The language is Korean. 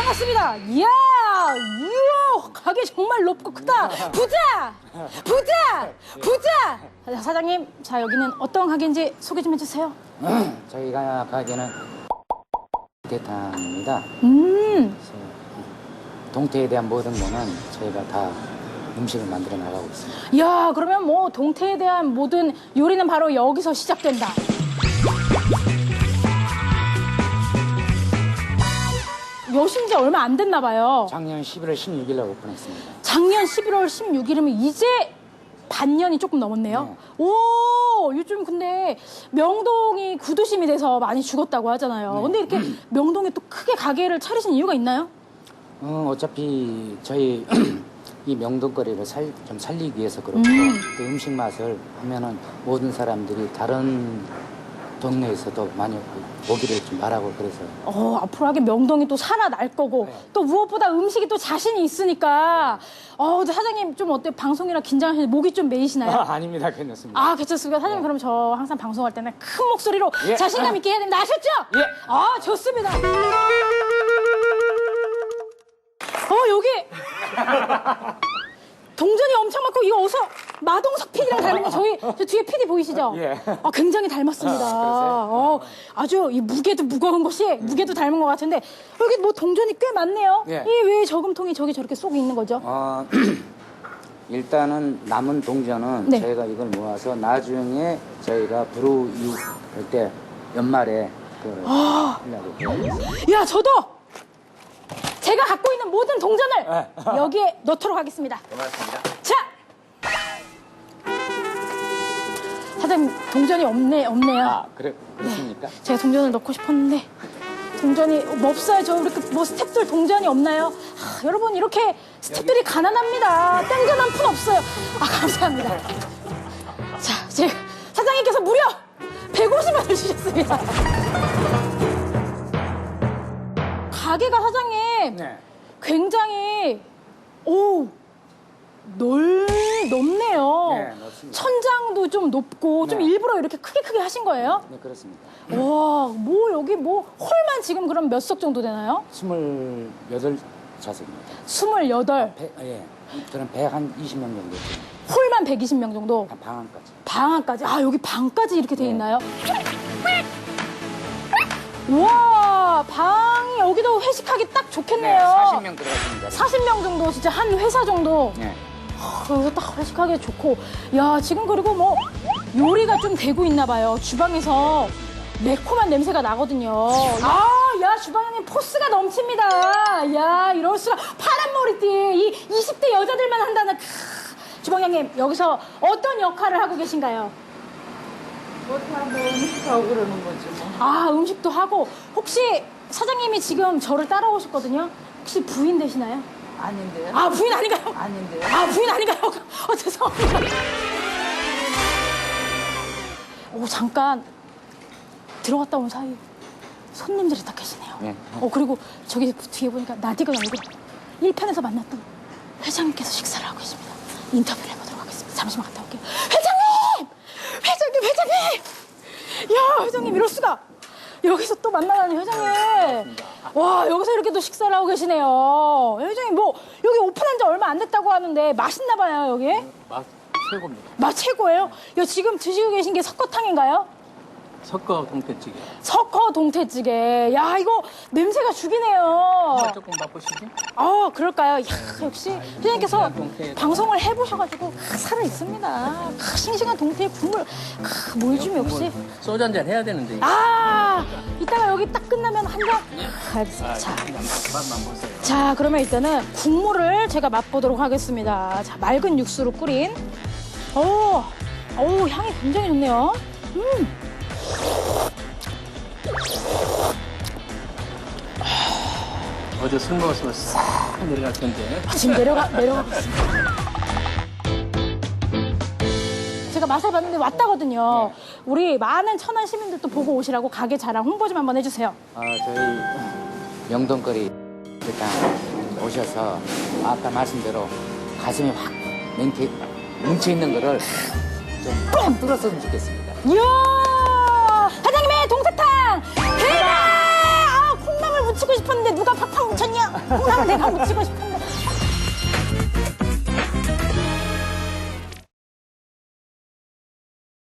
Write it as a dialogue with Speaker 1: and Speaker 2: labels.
Speaker 1: 반갑습니다. 이야, 가게 정말 높고 크다. 부자! 자, 사장님, 자, 여기는 어떤 가게인지 소개 좀 해주세요.
Speaker 2: 저희가 가게는 대탕입니다. 동태에 대한 모든 거는 저희가 다 음식을 만들어 나가고 있습니다.
Speaker 1: 이야, 그러면 뭐 동태에 대한 모든 요리는 바로 여기서 시작된다. 여신 지 얼마 안 됐나 봐요.
Speaker 2: 작년 11월 16일 날 오픈했습니다.
Speaker 1: 작년 11월 16일이면 이제 반년이 조금 넘었네요.
Speaker 2: 네.
Speaker 1: 오, 요즘 근데 명동이 구도심이 돼서 많이 죽었다고 하잖아요.
Speaker 2: 네.
Speaker 1: 근데 이렇게 명동에 또 크게 가게를 차리신 이유가 있나요?
Speaker 2: 어차피 저희 이 명동거리를 좀 살리기 위해서 그렇고 또 음식 맛을 하면은 모든 사람들이 다른 동네에서도 많이 보기를 좀 바라고 그래서.
Speaker 1: 앞으로 하긴 명동이 또 살아날 거고
Speaker 2: 네.
Speaker 1: 또 무엇보다 음식이 또 자신이 있으니까 근데 사장님 좀 어때요? 방송이라 긴장하시는데 목이 좀 메이시나요?
Speaker 2: 아닙니다. 괜찮습니다.
Speaker 1: 아, 괜찮습니다. 사장님, 그럼 저 항상 방송할 때는 큰 목소리로
Speaker 2: 예.
Speaker 1: 자신감 있게 해야 됩니다. 아셨죠?
Speaker 2: 예.
Speaker 1: 좋습니다. 여기 동전이 엄청 많고 이거 어서 마동석 PD랑 닮은 거 저 뒤에 PD 보이시죠?
Speaker 2: 예.
Speaker 1: 굉장히 닮았습니다. 아주 이 무게도 무거운 것이 무게도 닮은 것 같은데 여기 뭐 동전이 꽤 많네요.
Speaker 2: 예.
Speaker 1: 이 왜 저금통이 저기 저렇게 쏙 있는 거죠?
Speaker 2: 일단은 남은 동전은
Speaker 1: 네.
Speaker 2: 저희가 이걸 모아서 나중에 저희가 불우이 할 때 연말에 하려고.
Speaker 1: 야, 저도 제가 갖고 있는 모든 동전을 여기에 넣도록 하겠습니다.
Speaker 2: 고맙습니다.
Speaker 1: 자! 사장님, 동전이 없네요.
Speaker 2: 그렇습니까?
Speaker 1: 제가 동전을 넣고 싶었는데 동전이 없어요. 저 우리 뭐 스태프들 동전이 없나요? 여러분, 이렇게 스태프들이 가난합니다. 땡전 한 푼 없어요. 감사합니다. 자, 제가 사장님께서 무려 150원을 주셨습니다. 가게가 사장님
Speaker 2: 네.
Speaker 1: 굉장히 높네요.
Speaker 2: 네, 높습니다.
Speaker 1: 천장도 좀 높고 좀
Speaker 2: 네.
Speaker 1: 일부러 이렇게 크게 하신 거예요?
Speaker 2: 네, 그렇습니다.
Speaker 1: 와, 여기 홀만 지금 그럼 몇 석 정도 되나요?
Speaker 2: 28좌석입니다.
Speaker 1: 28.
Speaker 2: 저는 120명 정도 돼요.
Speaker 1: 홀만 120명 정도.
Speaker 2: 방안까지.
Speaker 1: 방안까지. 여기 방까지 이렇게 돼
Speaker 2: 네.
Speaker 1: 있나요? 우와, 방이 여기도 회식하기 딱 좋겠네요.
Speaker 2: 40명 들어갔습니다.
Speaker 1: 40명 정도, 진짜 한 회사 정도.
Speaker 2: 네.
Speaker 1: 여기서 딱 회식하기 좋고. 야, 지금 그리고 뭐 요리가 좀 되고 있나 봐요. 주방에서 매콤한 냄새가 나거든요. 야, 주방장님 포스가 넘칩니다. 야, 이럴 수가. 파란 머리띠. 이 20대 여자들만 한다는. 주방장님, 여기서 어떤 역할을 하고 계신가요?
Speaker 3: 음식하고 그러는 거지 뭐.
Speaker 1: 음식도 하고. 혹시 사장님이 지금 저를 따라오셨거든요. 혹시 부인 되시나요?
Speaker 3: 아닌데요?
Speaker 1: 부인 아닌가요?
Speaker 3: 아닌데요?
Speaker 1: 부인 아닌가요? 죄송합니다. 잠깐 들어갔다 온 사이 손님들이 딱 계시네요.
Speaker 2: 네.
Speaker 1: 그리고 저기 뒤에 보니까 나디가 아니고 1편에서 만났던 회장님께서 식사를 하고 계십니다. 인터뷰를 해보도록 하겠습니다. 잠시만 갔다 올게요. 회장님! 야, 회장님 이럴 수가. 여기서 또 만나다니, 회장님. 와, 여기서 이렇게 또 식사를 하고 계시네요. 회장님, 뭐 여기 오픈한 지 얼마 안 됐다고 하는데 맛있나 봐요, 여기?
Speaker 2: 맛 최고입니다.
Speaker 1: 맛 최고예요? 지금 드시고 계신 게 석거탕인가요?
Speaker 3: 석거 동태찌개.
Speaker 1: 석거 동태찌개. 야, 이거 냄새가 죽이네요.
Speaker 3: 조금 맛보시죠?
Speaker 1: 그럴까요? 역시 회장님께서
Speaker 3: 동태.
Speaker 1: 방송을 해보셔가지고 살아 있습니다. 싱싱한 동태 국물. 뭘 역시.
Speaker 3: 소주 한잔 해야 되는데.
Speaker 1: 이따가 여기 딱 끝나면 한 잔. 알겠습니다. 자.
Speaker 3: 맛만 보세요.
Speaker 1: 자, 그러면 일단은 국물을 제가 맛보도록 하겠습니다. 자, 맑은 육수로 끓인. 향이 굉장히 좋네요.
Speaker 3: 어제 술 먹었으면 싹 내려갈 텐데.
Speaker 1: 지금 내려가고 있습니다. 제가 맛을 봤는데 왔다거든요. 우리 많은 천안 시민들도 보고 오시라고 가게 자랑 홍보 좀 한번 해주세요.
Speaker 2: 저희 명동거리 일단 오셔서 아까 말씀대로 가슴이 확 뭉쳐있는 거를 좀 뻥 뚫었으면 좋겠습니다.
Speaker 1: 이야! 사장님의 동태탕! 대박! 콩나물 묻히고 싶었는데 누가 팍팍 묻혔냐? 콩나물 내가 묻히고 싶은데.